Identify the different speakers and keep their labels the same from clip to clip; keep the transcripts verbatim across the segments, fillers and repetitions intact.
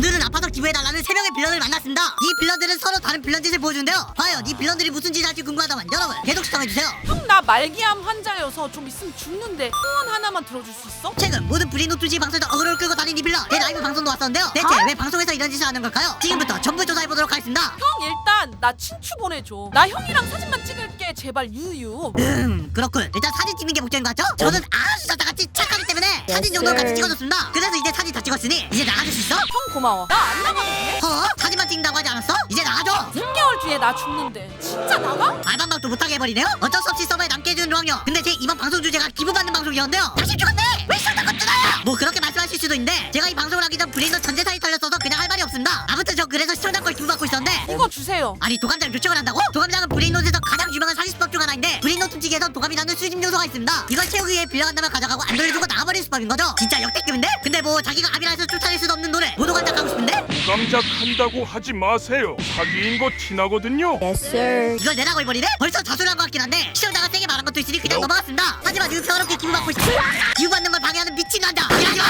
Speaker 1: 오늘은 아파서 기부해달라는 세 명의 빌런을 만났습니다. 이 빌런들은 서로 다른 빌런 짓을 보여주는데요. 과연 이 빌런들이 무슨 짓을 할지 궁금하다면 여러분 계속 시청해주세요.
Speaker 2: 형 나 말기암 환자여서 좀 있으면 죽는데 소원 하나만 들어줄 수 있어?
Speaker 1: 최근 모든 브리노 투지 방송에서 어그로를 끌고 다닌 이 빌런 내 라이브 방송도 왔었는데요. 대체
Speaker 2: 어?
Speaker 1: 왜 방송에서 이런 짓을 하는 걸까요? 지금부터 전부 조사해보도록 하겠습니다.
Speaker 2: 형 일단 나 친추 보내줘. 나 형이랑 사진만 찍을게 제발 유유.
Speaker 1: 음 그렇군. 일단 사진 찍는 게 목적인 것 같죠? 저는 아주 저같이 착하기 때문에 사진 정도는 같이 찍어줬습니다. 그래서 이제 사진 다 찍었으니 이제 나가줄 수 있어?
Speaker 2: 형 고마워. 나 안 나가도 돼?
Speaker 1: 어? 사진만 찍는다고 하지 않았어? 이제 나가줘.
Speaker 2: 삼 개월 뒤에 나 죽는데 진짜 나가?
Speaker 1: 말반박도 못하게 해버리네요. 어쩔 수 없이 서버에 남게 해주는 로학년. 근데 제 이번 방송 주제가 기부받는 방송이었는데요. 다시 죽었네! 왜 시작한 것 뜨나요? 뭐 그렇게 말씀하실 수도 있는데 제가 이 방송을 하기 전 브레인도 전재산이 털렸어서 그냥 할 말이 없습니다. 아무튼 저 그래서 시청자 걸 기부받고 있었는데
Speaker 2: 이거 주세요.
Speaker 1: 아니 도감장 요청을 한다고? 도감장은 브레인노트에서 가장 유명한 사기수법 중 하나인데 브레인노트 찌개에서 도감이라는 수집 요소가 있습니다. 이걸 채우기 위해 빌려간다면 가져가고 안 돌려주고 나가버리는 수법인 거죠. 진짜 역대급인데? 근데 뭐 자기가 압이라서 쫓아낼 수도 없는 노래 모도감장 가고 싶은데?
Speaker 3: 감작한다고 하지 마세요. 사기인 거 티나거든요.
Speaker 4: Yes, sir.
Speaker 1: 이걸 내라고 해버리네? 벌써 자수를 한 것 같긴 한데 시청자가 세게 말한 것도 있으니 그냥 넘어갔습니다. 하지만 지금 평화롭게 기부받고 있어. 기부받는 걸 방해하는 미친 남자 하지마!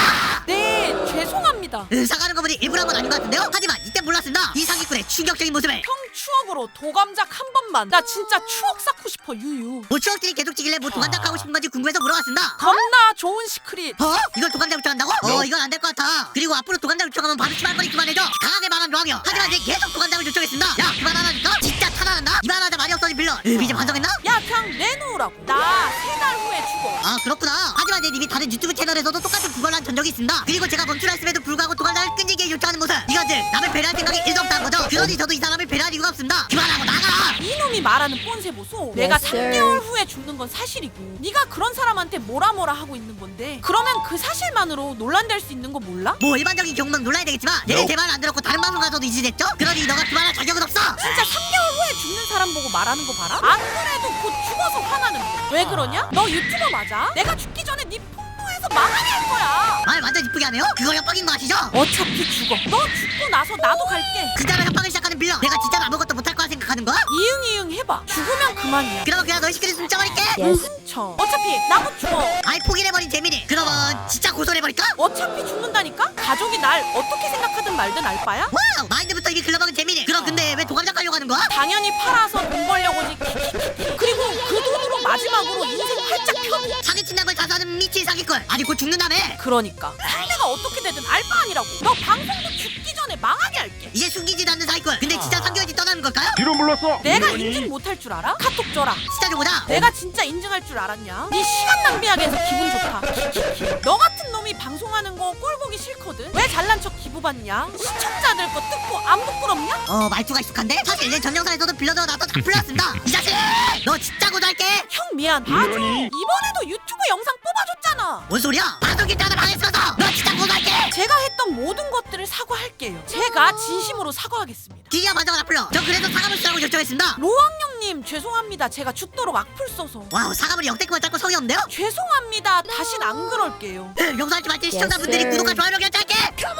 Speaker 2: 네 죄송합니다.
Speaker 1: 으, 사과하는 거 보니 일부러 한 건 아닌 것 같은데요? 하지만 이때 몰랐습니다. 이 사기꾼의 충격적인 모습을.
Speaker 2: 형 추억으로 도감작 한 번만. 나 진짜 추억 쌓고 싶어 유유.
Speaker 1: 뭐 추억들이 계속 찍길래 뭐 도감장 하고 싶은 건지 궁금해서 물어봤습니다.
Speaker 2: 겁나 좋은 시크릿.
Speaker 1: 어? 이걸 도감장 요청한다고? 어 이건 안 될 것 같아. 그리고 앞으로 도감장 요청하면 바로 치말거리 그만해줘. 강하게 말한 로학이요. 하지만 이제 계속 도감장을 요청했습니다. 야 그만하라니까? 진짜 타나난다? 이만하자 말이 없어진 빌런. 으, 이제 반성했나?
Speaker 2: 야 그냥 내놓으라고. 나 세 달 후에 죽어.
Speaker 1: 아 그렇구나. 하지만 내 님이 다른 유튜브 채널에서도 똑같은 구걸을 한 전적이 있습니다. 그리고 제가 멈추라 했음에도 불구하고 도감장을 끈질기게 요청하는 모습. 이것들 남을 배려할 생각이 일도 없다는 거죠. 그러니 저도 이 사람을 배려할 이유가 없습니다. 그만하고 나가.
Speaker 2: 이놈이 말하는 꼰세 보소. 내가
Speaker 4: Yes,
Speaker 2: 삼
Speaker 4: sir.
Speaker 2: 개월 후에 죽는 건 사실이고 네가 그런 사람한테 뭐라 뭐라 하고 있는 건데 그러면 그 사실만으로 논란될 수 있는 거 몰라?
Speaker 1: 뭐 일반적인 경우는 놀라야 되겠지만 내가 제 말을 안 들었고 다른 방송 가서도 이지됐죠? 그러니 너가 그만할 자격은 없어.
Speaker 2: 진짜 삼 개월 후에 죽는 사람 보고 말하는 거 봐라. 안 그래도 곧 죽어서 화나는데 왜 그러냐? 너 유튜버 맞아? 내가 죽기 전에 네 폭로해서 망하게 할 거야.
Speaker 1: 말 완전 이쁘게 하네요? 그거 협박인 거 아시죠?
Speaker 2: 어차피 죽어. 너 죽고 나서 나도 갈게.
Speaker 1: 진짜로 협박을 시작하는 빌런. 내가 진짜로 아무것도 못할 거라 생각하는 거야?
Speaker 2: 이응 이응 해봐. 죽으면 그만이야.
Speaker 1: 그러면 그냥 너희 시끼리 숨겨버릴게.
Speaker 4: Yes.
Speaker 2: 훔쳐. 어차피 나도 죽어.
Speaker 1: 아이 포기해버린 재민이. 그러면 진짜 고소해버릴까?
Speaker 2: 어차피 죽는다니까? 가족이 날 어떻게 생각하든 말든 알 바야?
Speaker 1: 와우 마인드부터 이미 글러먹은 재민이. 그럼 근데 왜 도감장 가려고 하는 거야?
Speaker 2: 당연히 팔아서 돈 벌려고지. 키키키키. 그리고 그 돈으로 마지막으로 인생 활짝 펴고.
Speaker 1: 사기친다는 걸 자수하는 미친 사기꾼. 아니 곧 죽는다며.
Speaker 2: 그러니까 상대가 어떻게 되든 알 바 아니라고. 너 방송도 죽기 전에 망하게 할게.
Speaker 1: 이제 숨기지도 않는 사기꾼. 근데 진짜 삼 개월 뒤 떠나는 걸까요?
Speaker 3: 뒤로 물렀어.
Speaker 2: 내가
Speaker 3: 이러니?
Speaker 2: 인증 못할 줄 알아? 카톡 줘라.
Speaker 1: 진짜 좀 보자.
Speaker 2: 내가 진짜 인증할 줄 알았냐? 네 시간 낭비하게 해서 기분 좋다. 키키키. 너 같은 놈이 방송하는 거 꼴 보기 싫거든. 왜 잘난 척 기부받냐? 시청자들 거 뜯고 안 부끄럽냐?
Speaker 1: 어 말투가 익숙한데? 사실 내 전 영상에서도 빌런으로 나왔던 다 풀렸습니다. 이 자식! 너 진짜 고소할게.
Speaker 2: 형 미안. 봐줘.
Speaker 3: 이러니?
Speaker 2: 이번에도 유튜브 영상 뽑아줬잖아.
Speaker 1: 뭔 소리야? 방송 길자를 방했어서 너 진짜 고소할게.
Speaker 2: 제가 했던 모든 것들을 사과할게요. 제가 진심으로 사과하겠습니다.
Speaker 1: 드디어 반성을 안 풀려. 저 그래서 사과물 쓰라고 결정했습니다.
Speaker 2: 로왕형님 죄송합니다. 제가 죽도록 악플 써서.
Speaker 1: 와우 사과물이 역대급만 짧고 성의 없는데요?
Speaker 2: 죄송합니다. 다신 안 그럴게요.
Speaker 1: 으, 용서할지 말지 시청자분들이
Speaker 4: Yes, sir.
Speaker 1: 구독과 좋아요를 결정할게.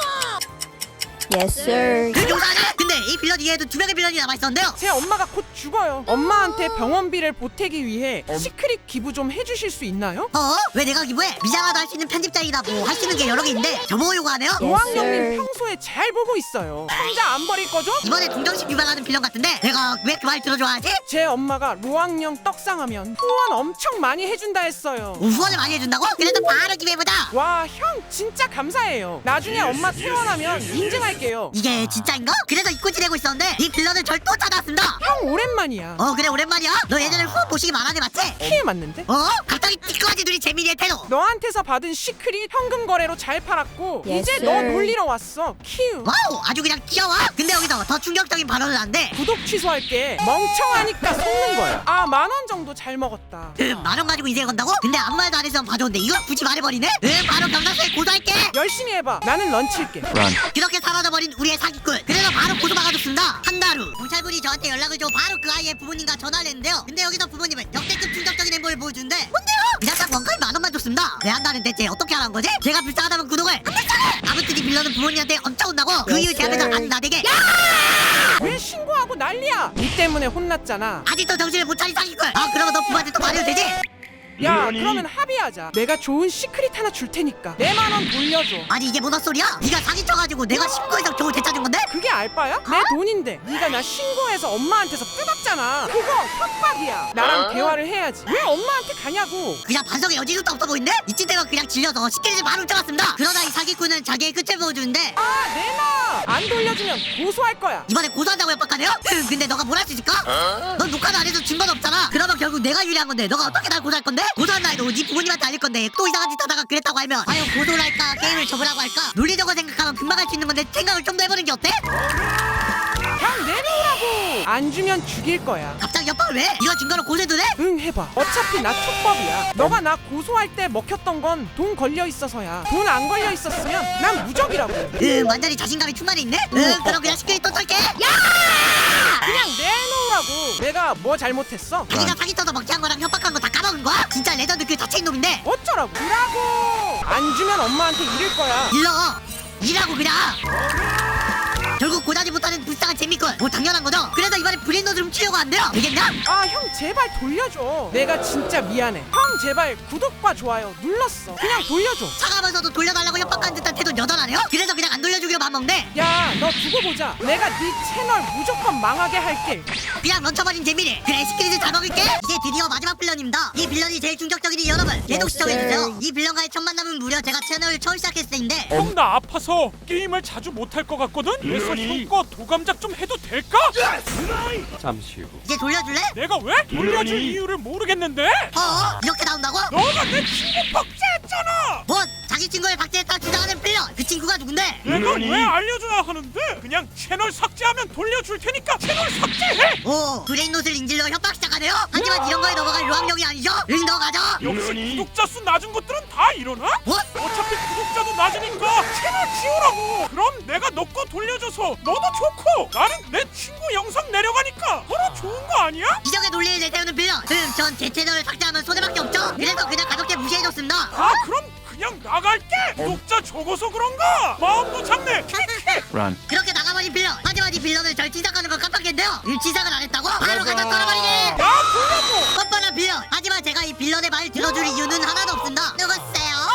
Speaker 4: Yes, sir.
Speaker 1: 그 용서하네? 근데 이 빌런 이외에도 두 명의 빌런이 남아있었는데요.
Speaker 5: 제 엄마가 곧 죽어요. 엄마한테 병원비를 보태기 위해 시크릿 기부 좀 해주실 수 있나요?
Speaker 1: 어? 왜 내가 기부해? 미장하다 할 수 있는 편집자이다 뭐 할 수 있는 게 여러 개 있는데 저보고 요구하네요?
Speaker 4: Yes,
Speaker 5: 로왕형님
Speaker 4: sir.
Speaker 5: 평소에 잘 보고 있어요. 혼자 안 버릴 거죠?
Speaker 1: 이번에 동정심 유발하는 빌런 같은데 내가 왜 그 말 들어줘야 하지?
Speaker 5: 제 엄마가 로왕형 떡상하면 후원 엄청 많이 해준다 했어요.
Speaker 1: 뭐 후원을 많이 해준다고? 그래도 바로 기부해보자.
Speaker 5: 와, 형 진짜 감사해요. 나중에 엄마 퇴원하면 인증할게요.
Speaker 1: 이게 진짜인가? 그래서 잊고 지내고 있었는데 이 빌런을 절 또 찾아왔습니다.
Speaker 5: 형 오랜만이야.
Speaker 1: 어 그래 오랜만이야. 너 예전에 후원 보시기 많았네 맞지?
Speaker 5: 키에 맞는데?
Speaker 1: 어? 갑자기 찌꺼지 눈이 재민이의 태도.
Speaker 5: 너한테서 받은 시크릿 현금 거래로 잘 팔았고
Speaker 4: Yes,
Speaker 5: 이제 너
Speaker 4: sir.
Speaker 5: 놀리러 왔어. 키우.
Speaker 1: 와우 아주 그냥 귀여워. 근데 여기서 더 충격적인 발언을 하는데
Speaker 5: 구독 취소할게. 멍청하니까 속는 거야. 아, 만 원 정도 잘 먹었다.
Speaker 1: 음, 만원 가지고 인생 건다고? 근데 아무 말도 안 했으면 봐줬는데 이걸 굳이 말해버리네? 음 바로 경찰서에 고소할게.
Speaker 5: 열심히 해봐. 나는 런치일게.
Speaker 1: 그렇게 사라져버린 우리의 사기꾼. 그래서 바로 고소 막아줬습니다. 한 달 후 경찰분이 저한테 연락을 줘 바로 그 아이의 부모님과 전화를 했는데요. 근데 여기서 부모님은 역대급 충격적인 행보를 보여주는데 뭔데요? 그냥 딱 원가에 만 원만 줬습니다. 왜 한다는 대체 어떻게 하라는 거지? 제가 불쌍하다면 구독을 안 불쌍해! 아무튼 이 빌런은 부모님한테 엄청 혼나고 그 이후 제 앞에서 안 나대게
Speaker 5: 왜 신고하고 난리야? 니 때문에 혼났잖아.
Speaker 1: 아직도 정신을 못 차린 사기꾼. 아 그러면 너 부모한테 또 말해도 되지?
Speaker 5: 야
Speaker 3: 물론이.
Speaker 5: 그러면 합의하자. 내가 좋은 시크릿 하나 줄 테니까 내 만 원 돌려줘.
Speaker 1: 아니 이게 뭐가 소리야? 네가 사기쳐가지고 내가 신고해서 겨우 되찾은 건데?
Speaker 5: 그게 알바야? 내 돈인데 네가 나 신고해서 엄마한테서 뜯었잖아. 그거 협박이야. 나랑 대화를 해야지. 왜 엄마한테 가냐고.
Speaker 1: 그냥 반성의 여지도 없어 보이는데? 이쯤 되면 그냥 질려서 시키지 바로 훔쳐갔습니다. 그러다 이 사기꾼은 자기의 끝을 보여주는데
Speaker 5: 아 내놔. 안 돌려주면 고소할 거야.
Speaker 1: 이번에 고소한다고 협박하네요? 흠, 근데 너가 뭘 할 수 있을까? 넌 녹화도 안 해서 증거도 없잖아. 그러면 결국 내가 유리한 건데 너가 어떻게 날 고소할 건데? 고소한다 해도 네 부모님한테 알릴 건데 또 이상한 짓 하다가 그랬다고 하면 과연 고소를 할까 게임을 접으라고 할까? 논리적으로 생각하면 금방 할 수 있는 건데 생각을 좀 더 해보는 게 어때?
Speaker 5: 그냥 내놓으라고. 안 주면 죽일 거야.
Speaker 1: 갑자기 협박을 왜? 이거 증거로 고소해도 돼?
Speaker 5: 응 해봐. 어차피 나 촉법이야. 너가 나 고소할 때 먹혔던 건 돈 걸려 있어서야. 돈 안 걸려 있었으면 난 무적이라고.
Speaker 1: 응 완전히 자신감이 충만해 있네? 응 그럼 그냥 시끄리 또 털게. 야!
Speaker 5: 그냥 내놓으라고. 내가 뭐 잘못했어?
Speaker 1: 자기가 사기 쳐서 먹튀한 거랑 협박한 거 다 까먹은 거야? 진짜 레전드 그 자체인 놈인데
Speaker 5: 어쩌라고? 주라고. 안 주면 엄마한테 이를 거야.
Speaker 1: 일러 일하고 그냥 결국 고다지 못하는 불쌍한 재미꾼 뭐 당연한 거죠? 그래서 이번에 브레인노드 훔치려고 한대요 되겠냐?
Speaker 5: 아 형 제발 돌려줘. 내가 진짜 미안해. 형 제발 구독과 좋아요 눌렀어. 그냥 돌려줘.
Speaker 1: 차가면서도 돌려달라고 협박하는 듯한 태도 여전하네요? 그래서 그냥 안 돌려주기로 맘먹네
Speaker 5: 야 너 두고 보자. 내가 네 채널 무조건 망하게 할게.
Speaker 1: 그냥 런쳐버린 재미를 그래 스크린을 다 먹을게 이제 드디어 마지막 빌런입니다 이 빌런이 제일 충격적이니 여러분 계속 시청해주세요 이 빌런과의 첫 만남은 무려 제가 채널을 처음 시작했을 때인데
Speaker 3: 형 나 아파서 게임을 자주 못할 것 같거든? 그래서 형 거 도감작 좀 해도 될까?
Speaker 1: 이제 돌려줄래?
Speaker 3: 내가 왜? 돌려줄 이유를 모르겠는데?
Speaker 1: 어? 이렇게 나온다고?
Speaker 3: 너가 내 친구 박제했잖아!
Speaker 1: 뭐 자기 친구를 박제했다 주장하는 빌런 그 친구가 누군데?
Speaker 3: 내가 왜 알려줘야 하는데? 그냥 채널 삭제하면 돌려줄 테니까 채널 삭제해!
Speaker 1: 오 브레인노트를 인질로 협박 시작하네요? 하지만 이런 거에 넘어갈 로함력이 아니죠? 응 넘어가죠?
Speaker 3: 역시 구독자 수 낮은 것들은 다 이러나?
Speaker 1: 뭐?
Speaker 3: 어차피 구독자도 낮으니까 채널 지우라고! 그럼 내가 너 거 돌려줘서 너도 좋고 나는 내 친구 영상 내려가니까 서로 좋은 거 아니야?
Speaker 1: 기적의 논리를 내세우는 빌런 음, 전 제 채널을 삭제하면 손해밖에 없죠? 그래서 그냥 가볍게 무시해줬습니다
Speaker 3: 아 그럼 그냥 나갈게! 구독자 적어서 그런가? 마음도 잡네!
Speaker 1: 그렇게 나가버린 빌런 하지만 이 빌런을 절 치삭하는 걸 깜빡했는데요 음, 치삭을 안 했다고? 바로 갖다 떨어버리기
Speaker 3: 야 돌려줘!
Speaker 1: 뻔뻔한 빌런 하지만 제가 이 빌런의 말 들어줄 이유는 하나도 없습니다 누구세요?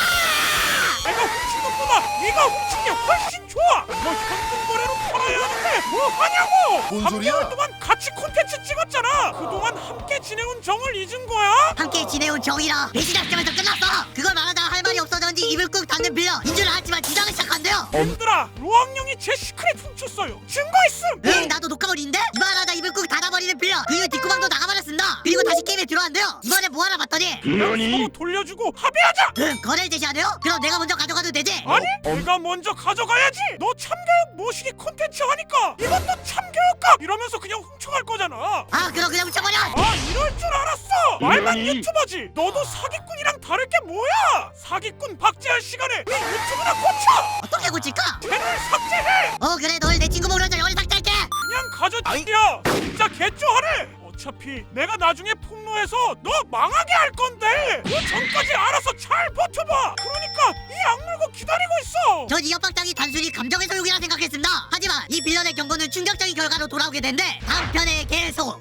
Speaker 3: 내가 훔친 것보다 네가 훔친 게 훨씬 좋아! 너 현금 거래로 팔아야 하는데 뭐 하냐고! 삼 개월 동안 같이 콘텐츠 찍었잖아! 그동안 함께 지내온 정을 잊은 거야?
Speaker 1: 함께 지내온 정이라 배신학점에서 끝났어 그걸 말하다 할 말이 없어졌는지 입을 꾹 닫는 빌런 인줄 알았지만 주장을 시작한대요
Speaker 3: 얘들아 로왕령이 제 시크릿 훔쳤어요! 증거 있음!
Speaker 1: 응 나도 녹화물인데 이말하다 입을 꾹 닫아버리는 빌런 그 이후 뒷구멍도 나가버렸습니다 그리고 다시 게임에 들어왔는데요 이번에 뭐 하나 봤더니
Speaker 3: 그냥 서로 돌려주고 합의하자!
Speaker 1: 응 거래를 제시하네요? 그럼 내가 먼저 가져가도 되지?
Speaker 3: 아니 내가 먼저 가져가야지! 너 참교육 모시기 콘텐츠 하니까 이것도 참교육각! 이러면서 그냥 훔쳐갈 거잖아!
Speaker 1: 아 그럼 그냥 훔쳐버려
Speaker 3: 아 이럴 줄 알았어! 말만 유튜버지! 너도 사기꾼이랑 다를 게 뭐야! 사기꾼 박제할 시간에 이 유튜브나 고쳐!
Speaker 1: 어떻게 고칠까?
Speaker 3: 채널 삭제해!
Speaker 1: 어 그래 널 내 친구 먹으려서 영을 삭제할게
Speaker 3: 그냥 가져치기야! 진짜 개쪼하네! 어차피 내가 나중에 폭로해서 너 망하게 할 건데 그 전까지 알아서 잘 버텨봐! 그러니까 이 악물고 기다리고 있어!
Speaker 1: 전 이 협박장이 단순히 감정의 소용이라 생각했습니다 하지만 이 빌런의 경고는 충격적인 결과로 돌아오게 된대 다음 편에 계속